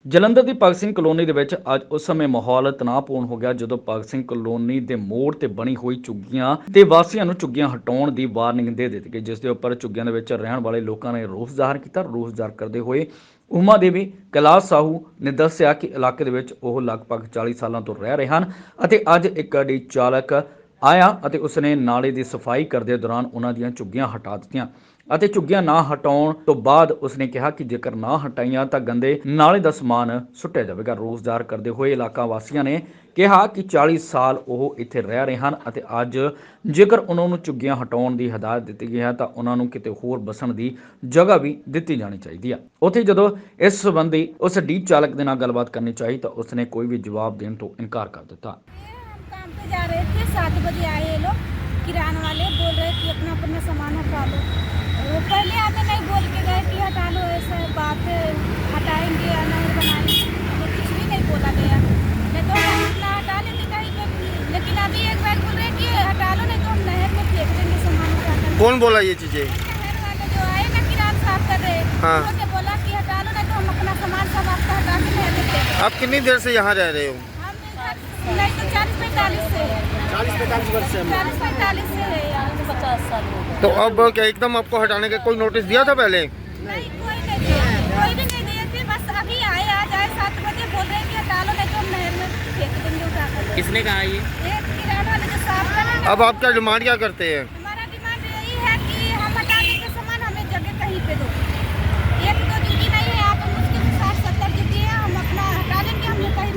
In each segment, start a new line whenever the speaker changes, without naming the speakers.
ਜਲੰਧਰ ਦੀ ਭਗਤ ਸਿੰਘ ਕਲੋਨੀ ਦੇ ਵਿੱਚ ਅੱਜ ਉਸ ਸਮੇਂ ਮਾਹੌਲ ਤਣਾਅਪੂਰਨ ਹੋ ਗਿਆ ਜਦੋਂ ਭਗਤ ਸਿੰਘ ਕਲੋਨੀ ਦੇ ਮੋੜ ਤੇ ਬਣੀ ਹੋਈ ਝੁੱਗੀਆਂ ਤੇ ਵਾਸੀਆਂ ਨੂੰ ਝੁੱਗੀਆਂ ਹਟਾਉਣ ਦੀ ਵਾਰਨਿੰਗ ਦੇ ਦਿੱਤੀ ਗਈ, ਜਿਸ ਦੇ ਉੱਪਰ ਝੁੱਗੀਆਂ ਦੇ ਵਿੱਚ ਰਹਿਣ ਵਾਲੇ ਲੋਕਾਂ ਨੇ ਰੋਸ ਜ਼ਾਹਰ ਕੀਤਾ। ਰੋਸ ਜ਼ਾਹਰ ਕਰਦੇ ਹੋਏ ਉਮਾ ਦੇਵੀ ਕੈਲਾਸ਼ ਸਾਹੂ ਨੇ ਦੱਸਿਆ ਕਿ ਇਲਾਕੇ ਦੇ ਵਿੱਚ ਉਹ ਲਗਭਗ 40 ਸਾਲਾਂ ਤੋਂ ਰਹਿ ਰਹੇ ਹਨ ਅਤੇ ਅੱਜ ਇੱਕ ਗੱਡੀ ਚਾਲਕ ਆਇਆ ਅਤੇ ਉਸਨੇ ਨਾਲੇ ਦੀ ਸਫਾਈ ਕਰਦੇ ਦੌਰਾਨ ਉਹਨਾਂ ਦੀਆਂ ਝੁੱਗੀਆਂ ਹਟਾ ਦਿੱਤੀਆਂ ਅਤੇ ਝੁੱਗੀਆਂ ਨਾ ਹਟਾਉਣ ਤੋਂ ਬਾਅਦ ਉਸਨੇ ਕਿਹਾ ਕਿ ਜੇਕਰ ਨਾ ਹਟਾਈਆਂ ਤਾਂ ਗੰਦੇ ਨਾਲੇ ਦਾ ਸਮਾਨ ਸੁੱਟਿਆ ਜਾਵੇਗਾ। ਰੋਸ ਜ਼ਾਹਰ ਕਰਦੇ ਹੋਏ ਇਲਾਕਾ ਵਾਸੀਆਂ ਨੇ ਕਿਹਾ ਕਿ 40 ਸਾਲ ਉਹ ਇੱਥੇ ਰਹਿ ਰਹੇ ਹਨ ਅਤੇ ਅੱਜ ਜੇਕਰ ਉਹਨਾਂ ਨੂੰ ਝੁੱਗੀਆਂ ਹਟਾਉਣ ਦੀ ਹਦਾਇਤ ਦਿੱਤੀ ਗਈ ਹੈ ਤਾਂ ਉਹਨਾਂ ਨੂੰ ਕਿਤੇ ਹੋਰ ਬਸਣ ਦੀ ਜਗ੍ਹਾ ਵੀ ਦਿੱਤੀ ਜਾਣੀ ਚਾਹੀਦੀ ਹੈ। ਉੱਥੇ ਜਦੋਂ ਇਸ ਸੰਬੰਧੀ ਉਸ ਡੀ ਚਾਲਕ ਦੇ ਨਾਲ ਗੱਲਬਾਤ ਕਰਨੀ ਚਾਹੀ ਤਾਂ ਉਸਨੇ ਕੋਈ ਵੀ ਜਵਾਬ ਦੇਣ ਤੋਂ ਇਨਕਾਰ कर देता।
काम पे जा रहे थे, 7 बजे आए ये लोग किराना वाले, बोल रहे कि अपना अपना सामान हटा लो। वो पहले हमें नहीं बोल के गए कि हटा लो, ऐसा बात हटाएंगे या नहीं बनाएंगे, तो कुछ भी नहीं बोला गया। नहीं तो हम अपना हटा लेते कहीं पे, लेकिन अभी एक बार बोल रहे कि हटा लो नहीं तो हम नहर में फेंक देंगे सामान उठा कर।
कौन बोला ये चीजें?
नहर वाले जो आए ना किराना साफ कर रहे,
हाँ।
उन्होंने बोला कि हटा लो नहीं तो हम अपना सामान सब आपका हटा के नहर में फेंक देंगे।
आप कितनी देर से यहाँ रह रहे हो?
नहीं तो 40-45 से है,
40-45 वर्ष से।
40-45 से है यार, 50 साल हो गए।
तो अब क्या एकदम आपको हटाने का कोई नोटिस दिया था पहले?
नहीं, कोई नहीं दिया, कोई भी नहीं दिया थे, बस अभी आए, आज आए 7 बजे, बोल रहे हैं कि हटा लो नहीं तो हम नहर में फेंक देंगे उठा कर।
किसने कहा ये?
एक किराना वाले जो साफ कर रहे हैं ना,
अब आप क्या डिमांड क्या करते हैं?
हमारा डिमांड यही है कि हम हटा देंगे सामान, हमें जगह कहीं पे दो। एक दो जगह नहीं है, आप मुश्किल 60-70 जगह है, हम अपना हटा देंगे, हमें कहीं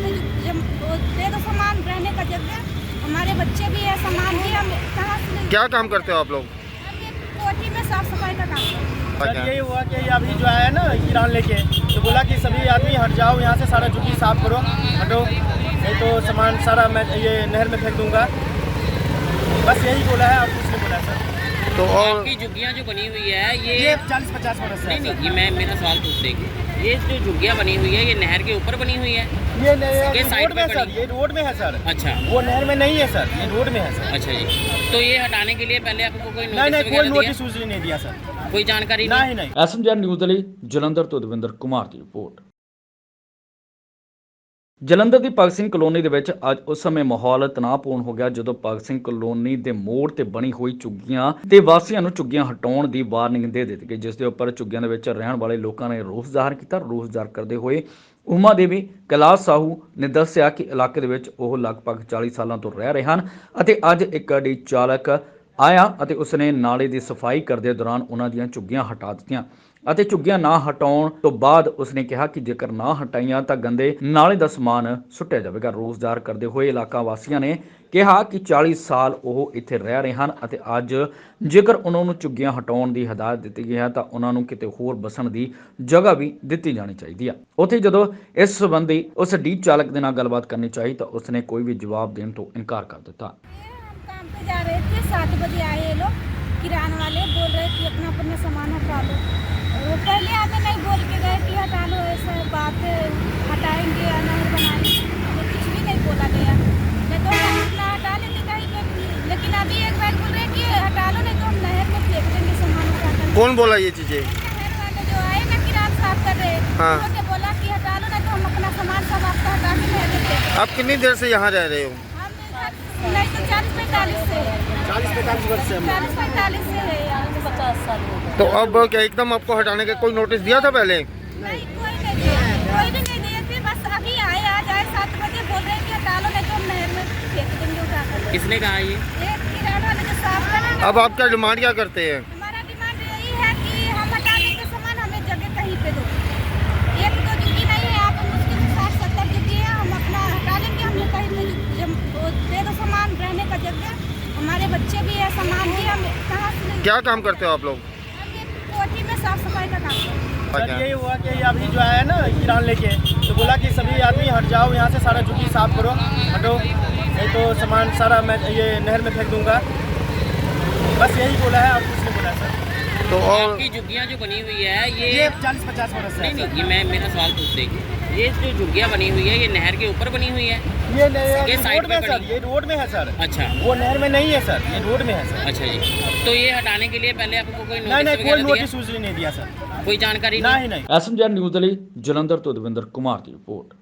दे दो सामान रहने का जगह। हमारे बच्चे भी है, सामान भी, हम कहाँ से लेंगे?
क्या काम करते हो आप लोग?
हम ये कोठी में साफ सफाई का काम करते हैं।
सर यही हुआ कि अभी जो आया ना किरान लेके, तो बोला कि सभी आदमी हट जाओ यहाँ से, सारा झुग्गी साफ करो, हटो नहीं तो सामान सारा मैं ये नहर में फेंक दूंगा। बस यही बोला है और कुछ नहीं बोला सर।
तो और
आपकी झुग्गियाँ जो बनी हुई है
ये
ये
40-50 वर्ष से है
नहीं
सर।
ये मैं मेरा सवाल पूछ देगी, ये जो झुग्गियाँ बनी हुई है ये नहर के ऊपर बनी हुई है?
ये
ये साइड
रोड में
पे
सर,
बनी?
ये रोड में है सर।
अच्छा
वो नहर में नहीं है सर, ये रोड में है सर।
अच्छा जी, तो ये हटाने के लिए पहले आपको कोई
नहीं
नोटिस
कोई
वगैरह
नोटिस
दिया?
वोटिस नहीं दिया सर,
कोई जानकारी
नहीं नहीं।
ਐਸਐਮਜੀ ਨਿਊਜ਼ ਦੇ ਲਈ ਜਲੰਧਰ ਤੋਂ ਦਵਿੰਦਰ ਕੁਮਾਰ ਦੀ ਰਿਪੋਰਟ। ਜਲੰਧਰ ਦੀ ਭਗਤ ਸਿੰਘ ਕਲੋਨੀ ਦੇ ਵਿੱਚ ਅੱਜ ਉਸ ਸਮੇਂ ਮਾਹੌਲ ਤਣਾਅਪੂਰਨ ਹੋ ਗਿਆ ਜਦੋਂ ਭਗਤ ਸਿੰਘ ਕਲੋਨੀ ਦੇ ਮੋੜ ਤੇ ਬਣੀ ਹੋਈ ਝੁੱਗੀਆਂ ਤੇ ਵਾਸੀਆਂ ਨੂੰ ਝੁੱਗੀਆਂ ਹਟਾਉਣ ਦੀ ਵਾਰਨਿੰਗ ਦੇ ਦਿੱਤੀ ਗਈ, ਜਿਸ ਦੇ ਉੱਪਰ ਝੁੱਗੀਆਂ ਦੇ ਵਿੱਚ ਰਹਿਣ ਵਾਲੇ ਲੋਕਾਂ ਨੇ ਰੋਸ ਜ਼ਾਹਰ ਕੀਤਾ। ਰੋਸ ਜ਼ਾਹਰ ਕਰਦੇ ਹੋਏ ਉਮਾ ਦੇਵੀ ਕੈਲਾਸ਼ ਸਾਹੂ ਨੇ ਦੱਸਿਆ ਕਿ ਇਲਾਕੇ ਦੇ ਵਿੱਚ ਉਹ ਲਗਭਗ 40 ਸਾਲਾਂ ਤੋਂ ਰਹਿ ਰਹੇ ਹਨ ਅਤੇ ਅੱਜ ਇੱਕ ਗੱਡੀ ਚਾਲਕ ਆਇਆ ਅਤੇ ਉਸਨੇ ਨਾਲੇ ਦੀ ਸਫਾਈ ਕਰਦੇ ਦੌਰਾਨ ਉਹਨਾਂ ਦੀਆਂ ਝੁੱਗੀਆਂ ਹਟਾ ਦਿੱਤੀਆਂ ਅਤੇ ਝੁੱਗੀਆਂ ਨਾ ਹਟਾਉਣ ਤੋਂ ਬਾਅਦ ਉਸਨੇ ਕਿਹਾ ਕਿ ਜੇਕਰ ਨਾ ਹਟਾਈਆਂ ਤਾਂ ਗੰਦੇ ਨਾਲੇ ਦਾ ਸਮਾਨ ਸੁੱਟਿਆ ਜਾਵੇਗਾ। ਰੋਸ ਜ਼ਾਹਰ ਕਰਦੇ ਹੋਏ ਇਲਾਕਾ ਵਾਸੀਆਂ ਨੇ ਕਿਹਾ ਕਿ 40 ਸਾਲ ਉਹ ਇੱਥੇ ਰਹਿ ਰਹੇ ਹਨ ਅਤੇ ਅੱਜ ਜੇਕਰ ਉਹਨਾਂ ਨੂੰ ਝੁੱਗੀਆਂ ਹਟਾਉਣ ਦੀ ਹਦਾਇਤ ਦਿੱਤੀ ਗਈ ਹੈ ਤਾਂ ਉਹਨਾਂ ਨੂੰ ਕਿਤੇ ਹੋਰ ਬਸਣ ਦੀ ਜਗ੍ਹਾ ਵੀ ਦਿੱਤੀ ਜਾਣੀ ਚਾਹੀਦੀ ਹੈ। ਉੱਥੇ ਜਦੋਂ ਇਸ ਸੰਬੰਧੀ ਉਸ ਡੀ ਚਾਲਕ ਦੇ ਨਾਲ ਗੱਲਬਾਤ ਕਰਨੀ ਚਾਹੀ ਤਾਂ ਉਸਨੇ ਕੋਈ ਵੀ ਜਵਾਬ ਦੇਣ ਤੋਂ ਇਨਕਾਰ ਕਰ ਦਿੱਤਾ।
हम काम पे जा रहे थे, 7 बजे आए ये लोग किराना वाले, बोल रहे कि अपना अपना सामान हटा लो। वो पहले हमें नहीं बोल के गए कि हटा लो, ऐसा बात हटाएंगे या नहीं बनाएंगे, तो कुछ भी नहीं बोला गया। नहीं तो हम अपना हटा लेते कहीं पे, लेकिन अभी एक बार बोल रहे कि हटा लो नहीं तो हम नहर में फेंक देंगे सामान उठा कर।
कौन बोला ये चीजें?
नहर वाले जो आए ना किराना साफ कर रहे,
हाँ।
उन्होंने बोला कि हटा लो नहीं तो हम अपना सामान सब आपका हटा के नहर में फेंक देंगे।
आप कितनी देर से यहाँ रह रहे हो?
हम नहीं तो 40-45 से है,
40-45 वर्ष से।
40-45 से है यार, 50 साल हो गए।
तो अब क्या एकदम आपको हटाने का कोई नोटिस दिया था पहले?
नहीं, कोई नहीं दिया, कोई भी नहीं दिया थे, बस अभी आए, आज आए 7 बजे, बोल रहे हैं कि हटा लो नहीं तो हम नहर में फेंक देंगे उठा कर।
किसने कहा ये?
एक किराना वाले जो साफ कर रहे हैं ना,
अब आप क्या डिमांड क्या करते हैं?
हमारा डिमांड यही है कि हम हटा देंगे सामान, हमें जगह कहीं पे दो। एक दो जगह नहीं है, आप मुश्किल 60-70 जगह है, हम अपना हटा लेंगे, हमें कहीं दे दो सामान रहने का जगह। हमारे बच्चे भी है, सामान भी, हम कहाँ से लेंगे?
क्या काम करते हो आप लोग?
हम ये कोठी में साफ सफाई का काम करते हैं।
सर यही हुआ कि अभी जो आया ना किरान लेके, तो बोला कि सभी आदमी हट जाओ यहाँ से, सारा झुग्गी साफ करो, हटो नहीं तो सामान सारा मैं ये नहर में फेंक दूंगा। बस यही बोला है और कुछ नहीं बोला सर।
तो और
आपकी झुग्गियाँ जो बनी हुई है
ये
ये
40-50 वर्ष से है
नहीं
सर।
ये मैं मेरा सवाल पूछ देगी, ये जो झुग्गियाँ बनी हुई है ये नहर के ऊपर बनी हुई है?
ये
ये साइड
रोड में
पे
सर,
बनी?
ये रोड में है सर।
अच्छा
वो नहर में नहीं है सर, ये रोड में है सर।
अच्छा जी, तो ये हटाने के लिए पहले आपको कोई
नहीं
नोटिस
कोई
वगैरह दिया?
नोटिस वोटिस नहीं दिया सर।
कोई जानकारी
नहीं नहीं।
ਐਸਐਮਜੀ ਨਿਊਜ਼ ਦੇ ਲਈ ਜਲੰਧਰ ਤੋਂ ਦਵਿੰਦਰ ਕੁਮਾਰ ਦੀ ਰਿਪੋਰਟ।